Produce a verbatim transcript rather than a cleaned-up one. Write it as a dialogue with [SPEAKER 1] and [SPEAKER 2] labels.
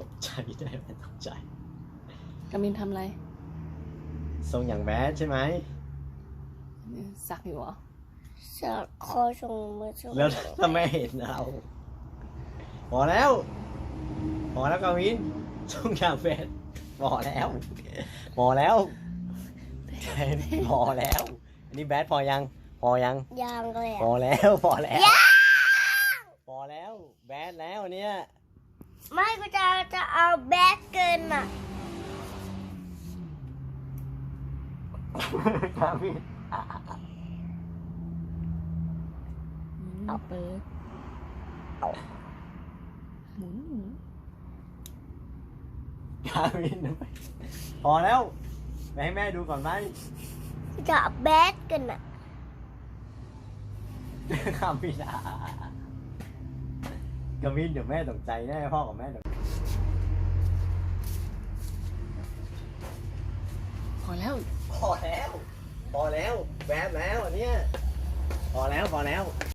[SPEAKER 1] กใจได้แม่ตกใจ
[SPEAKER 2] กามินทำอะไร
[SPEAKER 1] ทรงอย่างแบดใช่ไหม
[SPEAKER 2] สักอยู่เหรอ
[SPEAKER 3] สักคอชงมือชง
[SPEAKER 1] แล้วถ้าแม่เห็นเราพอแล้ว พอแล้วกาวินทรงอย่างแบดพอแล้วพอแล้วพอแล้ว อันนี้แบดพอยัง พอยัง
[SPEAKER 3] ยางเลย
[SPEAKER 1] พอแล้วพอแล้วพอแล้วแบดแล้วเนี่ย
[SPEAKER 3] ไม่กูจะจะเอาแบดเกินอ่ะ
[SPEAKER 1] กาวิน
[SPEAKER 2] เอาเปิดหมุนหมุน
[SPEAKER 1] กาวินพอแล้วไปให้แม่ดูก่อนไหม
[SPEAKER 3] กูจะเอาแบดเกินอ่ะ
[SPEAKER 1] กาวินอ่ะกาวินเดี๋ยวแม่ตกใจแน่พ่อกับแม่ตก
[SPEAKER 2] พอแล้ว
[SPEAKER 1] พอแล้ว พอแล้วแบดแล้วอันเนี้ยพอแล้วพอแล้ว